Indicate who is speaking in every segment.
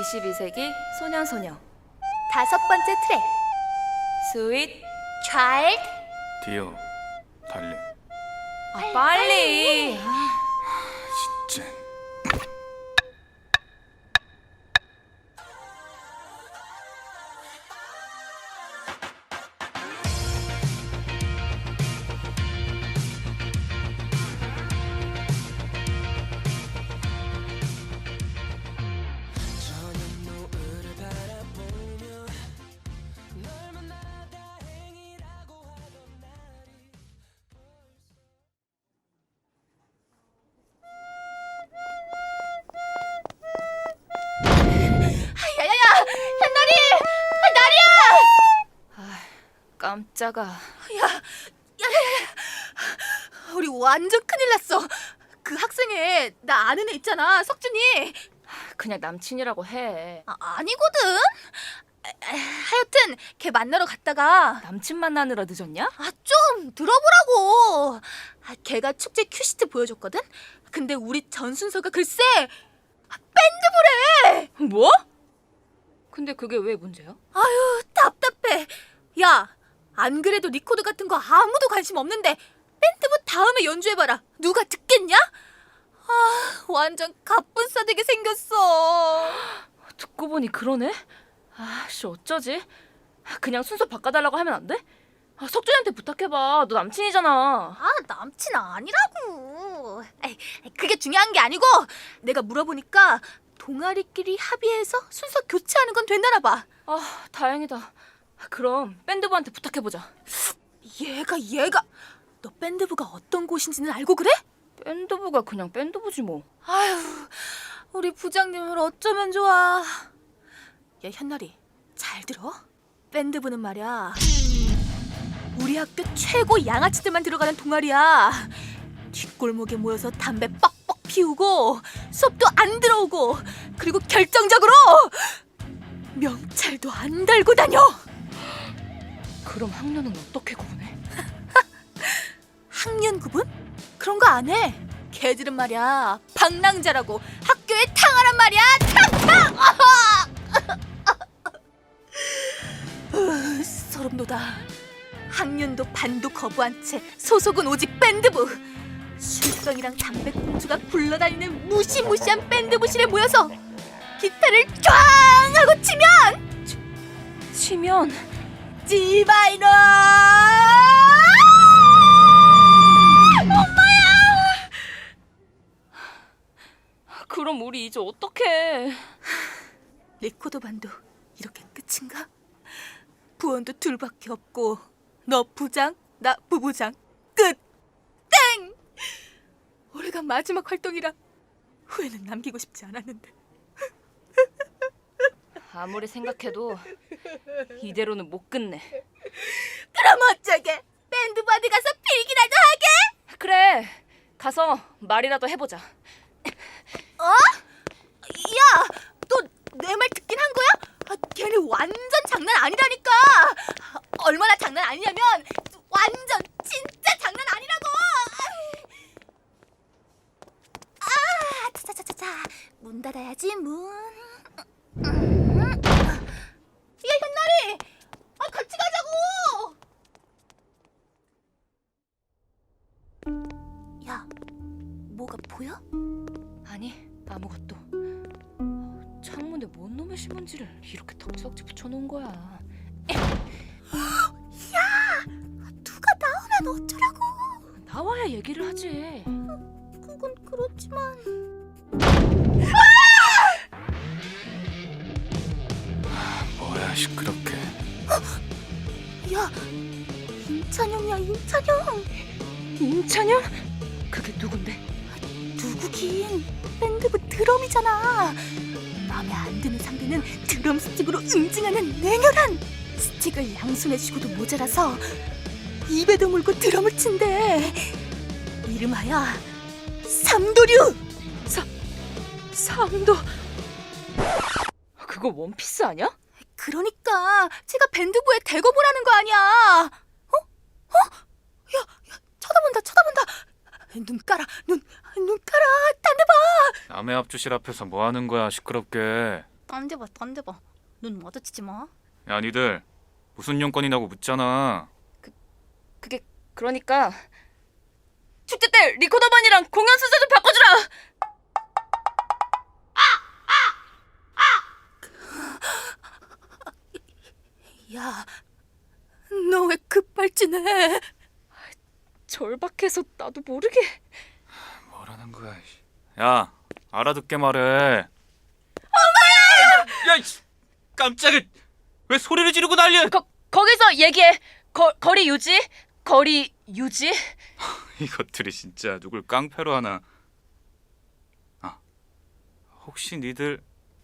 Speaker 1: 22세기 소년소녀
Speaker 2: 다섯 번째 트랙
Speaker 1: 스윗
Speaker 2: 차일드.
Speaker 3: 디어 달리.
Speaker 1: 빨리.
Speaker 3: 진짜.
Speaker 2: 야야야, 현나리, 나리야.
Speaker 1: 깜짝아.
Speaker 2: 우리 완전 큰일 났어. 그 학생에 나 아는 애 있잖아, 석준이.
Speaker 1: 그냥 남친이라고 해.
Speaker 2: 아니거든. 하여튼 걔 만나러 갔다가
Speaker 1: 남친 만나느라 늦었냐?
Speaker 2: 좀 들어보라고. 걔가 축제 큐시트 보여줬거든. 근데 우리 전순서가 글쎄 밴드부래.
Speaker 1: 뭐? 근데 그게 왜 문제야?
Speaker 2: 아유, 답답해. 야, 안 그래도 리코더 같은 거 아무도 관심 없는데 밴드부 다음에 연주해봐라. 누가 듣겠냐? 완전 갑분싸되게 생겼어.
Speaker 1: 듣고 보니 그러네? 씨 어쩌지? 그냥 순서 바꿔달라고 하면 안 돼? 석준이한테 부탁해봐. 너 남친이잖아.
Speaker 2: 남친 아니라고. 그게 중요한 게 아니고 내가 물어보니까 동아리끼리 합의해서 순서 교체하는 건 된다나 봐.
Speaker 1: 다행이다. 그럼 밴드부한테 부탁해보자.
Speaker 2: 얘가 너 밴드부가 어떤 곳인지는 알고 그래?
Speaker 1: 밴드부가 그냥 밴드부지 뭐.
Speaker 2: 아휴, 우리 부장님을 어쩌면 좋아. 야, 현나리, 잘 들어. 밴드부는 말이야, 우리 학교 최고 양아치들만 들어가는 동아리야. 뒷골목에 모여서 담배 뻑뻑 피우고 수업도 안 들어오고, 그리고 결정적으로 명찰도 안 달고 다녀.
Speaker 1: 그럼 학년은 어떻게 구분해?
Speaker 2: 학년 구분? 그런 거 안 해. 걔들은 말이야 방랑자라고 학교에 탕하란 말이야. 탕! 소름 돋아. 학년도 반도 거부한 채 소속은 오직 밴드부. 술병이랑 담배꽁초가 굴러다니는 무시무시한 밴드부실에 모여서 기타를 쫙 하고
Speaker 1: 치면
Speaker 2: 지바이너.
Speaker 1: 그럼 우리 이제 어떡해?
Speaker 2: 리코더 반도 이렇게 끝인가? 부원도 둘밖에 없고 너 부장, 나 부부장. 끝! 땡! 올해가 마지막 활동이라 후회는 남기고 싶지 않았는데.
Speaker 1: 아무리 생각해도 이대로는 못 끝내.
Speaker 2: 그럼 어쩌게? 밴드 바디 가서 필기라도 하게?
Speaker 1: 그래, 가서 말이라도 해보자.
Speaker 2: 야, 너 내 말 듣긴 한 거야? 걔네 완전 장난 아니라니까. 얼마나 장난 아니냐면 완전 진짜 장난 아니라고. 차차차차차, 문 닫아야지 문. 야, 현나리, 같이 가자고. 야, 뭐가 보여?
Speaker 1: 아니, 아무것도. 창문에 뭔 놈의 신문지를 이렇게 덕지덕지 붙여놓은 거야.
Speaker 2: 누가 나오면 어쩌라고.
Speaker 1: 나와야 얘기를 하지.
Speaker 2: 그건 그렇지만.
Speaker 3: 뭐야 시끄럽게.
Speaker 2: 야, 임찬영이야, 임찬영.
Speaker 1: 임찬영? 그게 누군데?
Speaker 2: 누구긴, 밴드부 드럼이잖아. 마음에 안 드는 상대는 드럼 스틱으로 응징하는 냉혈한. 스틱을 양손에 쥐고도 모자라서 입에도 물고 드럼을 친대. 이름하여 삼도류.
Speaker 1: 삼도. 그거 원피스 아니야?
Speaker 2: 그러니까 제가 밴드부에 대거 보라는 거 아니야. 야, 쳐다본다. 눈 깔아, 눈 깔아. 딴 데 봐.
Speaker 3: 남의 앞주실 앞에서 뭐 하는 거야 시끄럽게.
Speaker 2: 던져봐, 던져봐. 눈 마주치지 마.
Speaker 3: 야 니들 무슨 용건이냐고 묻잖아.
Speaker 1: 그게 그러니까 축제 때 리코더반이랑 공연 순서 좀 바꿔주라.
Speaker 2: 야, 너 왜 급발진해?
Speaker 1: 절박해서 나도 모르게.
Speaker 3: 뭐라는 거야. 야 알아듣게 말해. 엄마야! 야 깜짝이야. 왜 소리를 지르고 난리야.
Speaker 1: 거기서 얘기해. 거리 유지? 거리 유지?
Speaker 3: 이것들이 진짜 누굴 깡패로 하나. 아 혹시 니들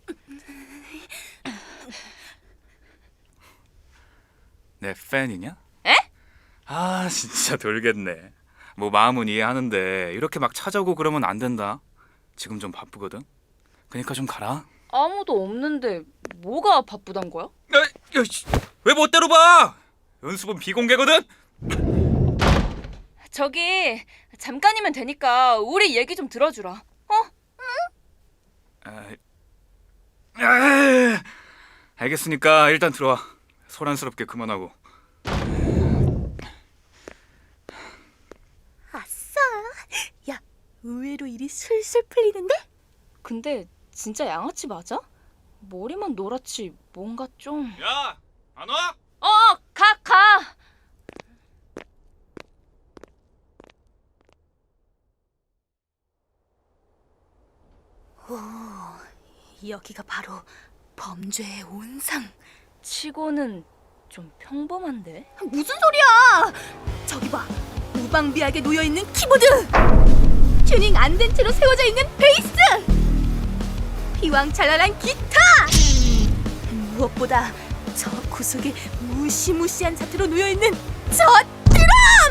Speaker 3: 내 팬이냐?
Speaker 1: 에?
Speaker 3: 아 진짜 돌겠네. 뭐 마음은 이해하는데 이렇게 막 찾아오고 그러면 안 된다. 지금 좀 바쁘거든. 그러니까 좀 가라.
Speaker 1: 아무도 없는데 뭐가 바쁘단 거야?
Speaker 3: 왜 멋대로 봐? 연습은 비공개거든.
Speaker 1: 저기 잠깐이면 되니까 우리 얘기 좀 들어주라. 어?
Speaker 3: 알겠으니까 일단 들어와. 소란스럽게 그만하고.
Speaker 2: 아싸. 야, 의외로 일이 슬슬 풀리는데?
Speaker 1: 근데 진짜 양아치 맞아? 머리만 노랗지 뭔가 좀...
Speaker 3: 야, 안 와?
Speaker 1: 가!
Speaker 2: 여기가 바로 범죄의 온상.
Speaker 1: 치고는 좀 평범한데?
Speaker 2: 무슨 소리야? 저기 봐. 무방비하게 놓여있는 키보드. 튜닝 안 된 채로 세워져 있는 베이스. 휘황찬란한 기타. 무엇보다 저 구석에 무시무시한 자태로 놓여있는 저 드럼.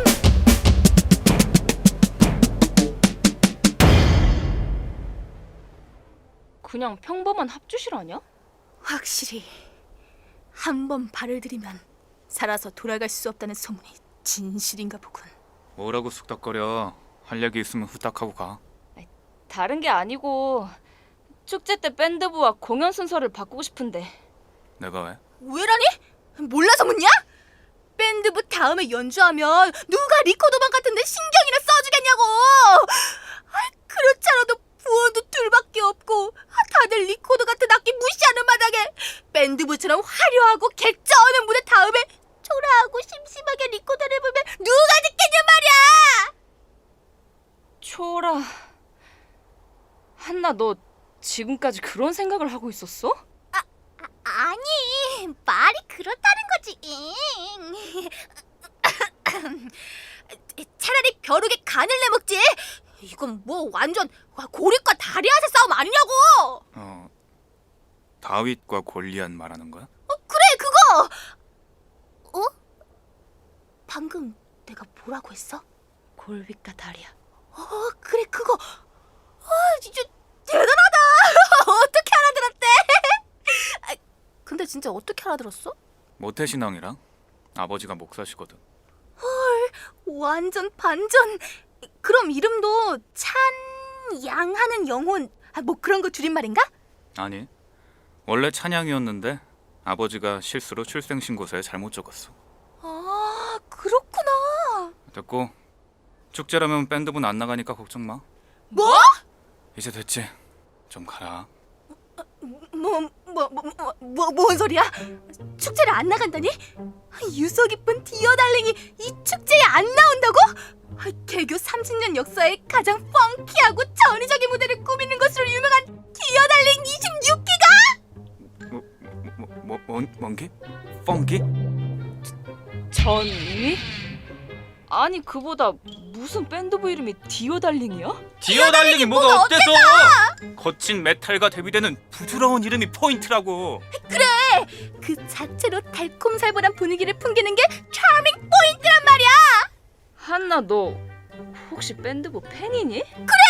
Speaker 1: 그냥 평범한 합주실 아니야?
Speaker 2: 확실히 한 번 발을 들이면 살아서 돌아갈 수 없다는 소문이 진실인가 보군.
Speaker 3: 뭐라고 쑥닥거려. 할 얘기 있으면 후딱 하고 가.
Speaker 1: 다른 게 아니고 축제 때 밴드부와 공연 순서를 바꾸고 싶은데.
Speaker 3: 내가 왜?
Speaker 2: 왜라니? 몰라서 묻냐? 밴드부 다음에 연주하면 누가 리코더반 같은데 신경이나 써주겠냐고. 그렇지 않아도 부원도 둘밖에 없고 다들 리코더 같은 악기 무시하는 마당에 밴드부처럼 화려하고 객자하는 무대 다음에 초라하고 심심하게 리코더를 불면 누가 듣겠냐 말이야.
Speaker 1: 초라. 한나 너 지금까지 그런 생각을 하고 있었어?
Speaker 2: 아니, 말이 그렇다는 거지. 차라리 벼룩에 간을 내먹지. 이건 뭐 완전 고립과 다리아세 싸움 아니냐고.
Speaker 3: 다윗과 골리앗 말하는 거야?
Speaker 2: 그래, 그거. 방금 내가 뭐라고 했어?
Speaker 1: 골빗과 다리야.
Speaker 2: 그래, 그거. 진짜 대단하다. 어떻게 알아들었대? 근데 진짜 어떻게 알아들었어?
Speaker 3: 모태신앙이랑 아버지가 목사시거든.
Speaker 2: 완전 반전. 그럼 이름도 찬양하는 영혼, 뭐 그런 거 줄임말인가?
Speaker 3: 아니, 원래 찬양이었는데 아버지가 실수로 출생신고서에 잘못 적었어.
Speaker 2: 아, 그렇구나.
Speaker 3: 됐고, 축제라면 밴드분 안 나가니까 걱정 마.
Speaker 2: 뭐?
Speaker 3: 이제 됐지. 좀 가라.
Speaker 2: 뭔 소리야? 축제를 안 나간다니? 유서 깊은 디어 달링이 이 축제에 안 나온다고? 개교 30년 역사에 가장 펑키하고 전위적인 무대를 꾸미는 것으로 유명한 디어 달링 26기가?
Speaker 3: 뭔기? 펑기?
Speaker 1: 전위? 아니 그보다 무슨 밴드부 이름이 디오달링이야?
Speaker 3: 디어달링이 뭐가 어때서? 거친 메탈과 대비되는 부드러운 이름이 포인트라고.
Speaker 2: 그 자체로 달콤살벌한 분위기를 풍기는 게 차밍 포인트란 말이야.
Speaker 1: 한나 너 혹시 밴드부 팬이니?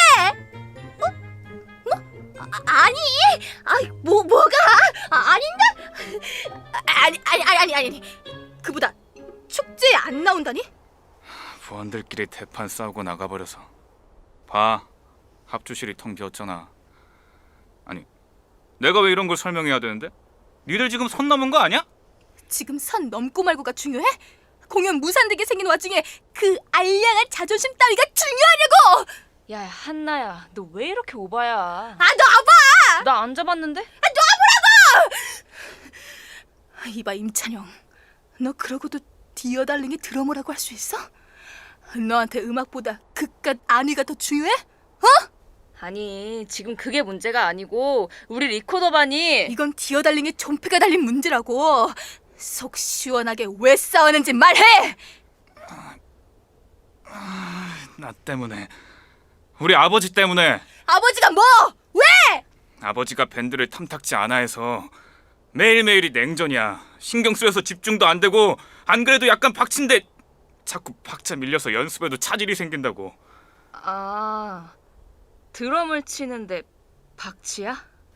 Speaker 2: 아니, 뭐가? 아닌데? 아니. 그보다 축제에 안 나온다니?
Speaker 3: 부원들끼리 대판 싸우고 나가버려서 봐. 합주실이 텅 비었잖아. 아니, 내가 왜 이런 걸 설명해야 되는데? 니들 지금 선 넘은 거 아니야?
Speaker 2: 지금 선 넘고 말고가 중요해? 공연 무산되게 생긴 와중에 그 알량한 자존심 따위가 중요하냐고!
Speaker 1: 야, 한나야, 너 왜 이렇게 오바야?
Speaker 2: 아, 놔봐!
Speaker 1: 나 안 잡았는데?
Speaker 2: 이봐 임찬영, 너 그러고도 디어달링의 드러머라고 할 수 있어? 너한테 음악보다 그깟 안위가 더 중요해?
Speaker 1: 아니, 지금 그게 문제가 아니고 우리 리코더반이
Speaker 2: 이건 디어달링의 존폐가 달린 문제라고. 속 시원하게 왜 싸우는지 말해!
Speaker 3: 나 때문에. 우리 아버지 때문에.
Speaker 2: 아버지가 뭐? 왜?
Speaker 3: 아버지가 밴드를 탐탁지 않아 해서 매일매일이 냉전이야. 신경 쓰여서 집중도 안 되고 안 그래도 약간 박친데 자꾸 박자 밀려서 연습에도 차질이 생긴다고.
Speaker 1: 아, 드럼을 치는데 박치야?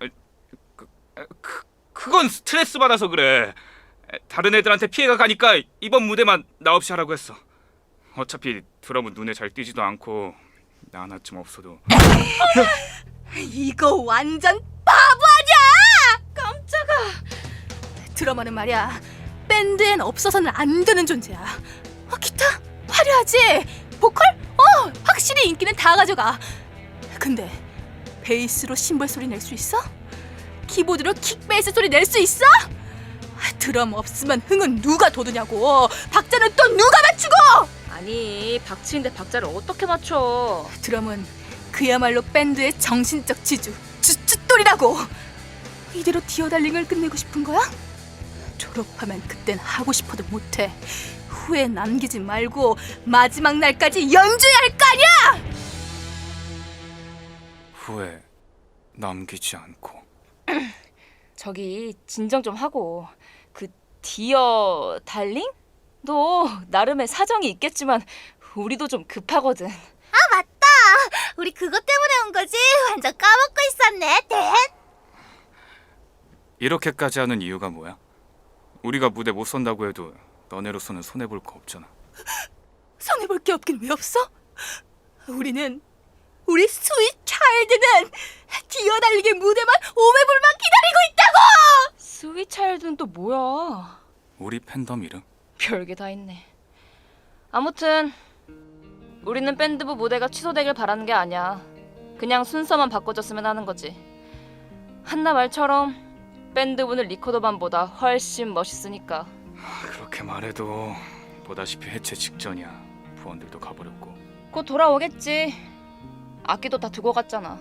Speaker 3: 그건 스트레스 받아서 그래. 다른 애들한테 피해가 가니까 이번 무대만 나 없이 하라고 했어. 어차피 드럼은 눈에 잘 띄지도 않고 나 하나쯤 없어도.
Speaker 2: 이거 완전 바보 아니야!
Speaker 1: 깜짝아.
Speaker 2: 드러머는 말이야, 밴드엔 없어서는 안 되는 존재야. 기타 화려하지? 보컬? 확실히 인기는 다 가져가. 근데 베이스로 심벌 소리 낼 수 있어? 키보드로 킥베이스 소리 낼 수 있어? 드럼 없으면 흥은 누가 돋우냐고. 박자는 또 누가 맞추고!
Speaker 1: 아니, 박치인데 박자를 어떻게 맞춰?
Speaker 2: 드럼은 그야말로 밴드의 정신적 지주, 주춧돌이라고. 이대로 디어달링을 끝내고 싶은 거야? 졸업하면 그땐 하고 싶어도 못해. 후회 남기지 말고 마지막 날까지 연주해야 할 거 아니야!
Speaker 3: 후회 남기지 않고.
Speaker 1: 저기 진정 좀 하고. 그 디어 달링? 너 나름의 사정이 있겠지만 우리도 좀 급하거든.
Speaker 2: 맞다! 우리 그것 때문에 온 거지? 완전 까먹고 있었네.
Speaker 3: 이렇게까지 하는 이유가 뭐야? 우리가 무대 못 선다고 해도 너네로서는 손해볼 거 없잖아.
Speaker 2: 손해볼 게 없긴 왜 없어? 우리 스윗 차일드는 디어달링의 무대만 오매불만 기다리고 있다고!
Speaker 1: 스윗 차일드는 또 뭐야?
Speaker 3: 우리 팬덤 이름?
Speaker 1: 별게 다 있네. 아무튼 우리는 밴드부 무대가 취소되길 바라는 게 아니야. 그냥 순서만 바꿔줬으면 하는 거지. 한나 말처럼 밴드부는 리코더반보다 훨씬 멋있으니까.
Speaker 3: 그렇게 말해도 보다시피 해체 직전이야. 부원들도 가버렸고.
Speaker 1: 곧 돌아오겠지. 악기도 다 두고 갔잖아.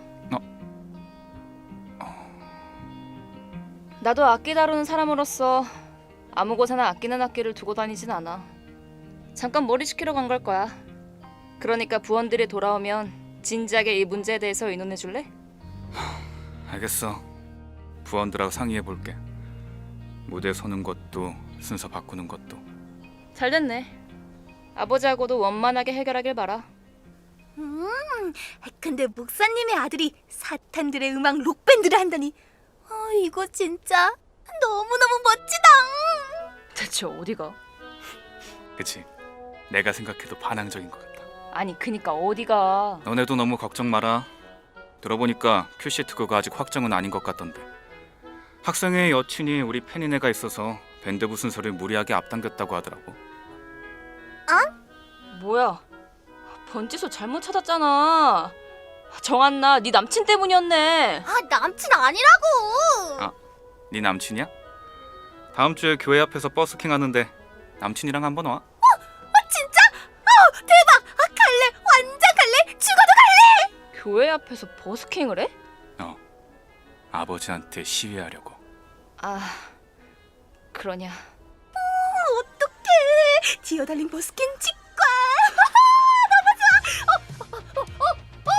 Speaker 1: 나도 악기 다루는 사람으로서 아무 곳에나 아끼는 악기를 두고 다니진 않아. 잠깐 머리 식히러 간 걸 거야. 그러니까 부원들이 돌아오면 진지하게 이 문제에 대해서 의논해 줄래?
Speaker 3: 알겠어. 부원들하고 상의해볼게. 무대 서는 것도 순서 바꾸는 것도.
Speaker 1: 잘 됐네. 아버지하고도 원만하게 해결하길 바라.
Speaker 2: 근데 목사님의 아들이 사탄들의 음악 록밴드를 한다니, 이거 진짜 너무너무 멋지다.
Speaker 1: 대체 어디가?
Speaker 3: 그치? 내가 생각해도 반항적인 것 같다.
Speaker 1: 아니 그니까 어디가?
Speaker 3: 너네도 너무 걱정 마라. 들어보니까 큐시트 그거 아직 확정은 아닌 것 같던데. 학생회의 여친이 우리 팬인 애가 있어서 밴드부 순서를 무리하게 앞당겼다고 하더라고.
Speaker 1: 뭐야? 번지소 잘못 찾았잖아. 정한나, 네 남친 때문이었네.
Speaker 2: 남친 아니라고.
Speaker 3: 네 남친이야? 다음 주에 교회 앞에서 버스킹 하는데 남친이랑 한번 와.
Speaker 2: 진짜? 대박! 갈래! 완전 갈래! 죽어도 갈래!
Speaker 1: 교회 앞에서 버스킹을 해?
Speaker 3: 아버지한테 시위하려고.
Speaker 1: 아, 그러냐.
Speaker 2: 어떡해! 디어달링 버스킹 직관! 너무 좋아!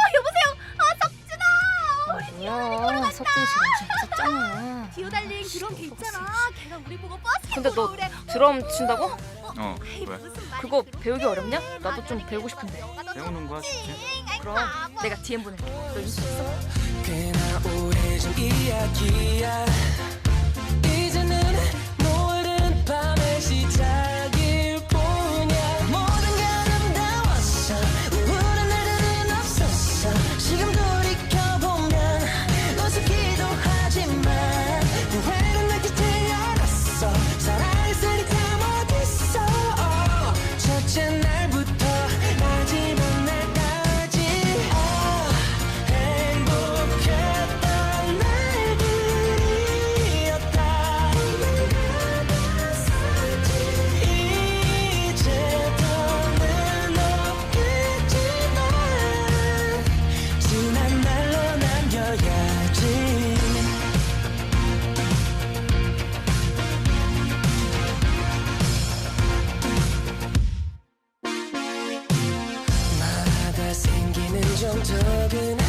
Speaker 2: 여보세요? 석준아!
Speaker 1: 뭐야? 석준이 지금 진짜잖아.
Speaker 2: 디어달링 그런 게 있잖아. 걔가 우리 보고 버스킹
Speaker 1: 근데 너
Speaker 2: 보고 그래.
Speaker 1: 드럼 친다고?
Speaker 3: 왜?
Speaker 2: 무슨 말이야.
Speaker 1: 그거 배우기 어렵냐? 나도 좀 배우고 싶은데.
Speaker 3: 배우는 거야 쉽지?
Speaker 1: 그럼 내가 DM 보낼게. 너 인수 있어?
Speaker 4: 꽤나 오래전 이야기야. 이제는 모든 밤의 시작일 뿐이야. 모든 게 아름다웠어. 우울한 날들은 없었어. 지금 돌이켜보면 우습기도 하지만 점점 더 그네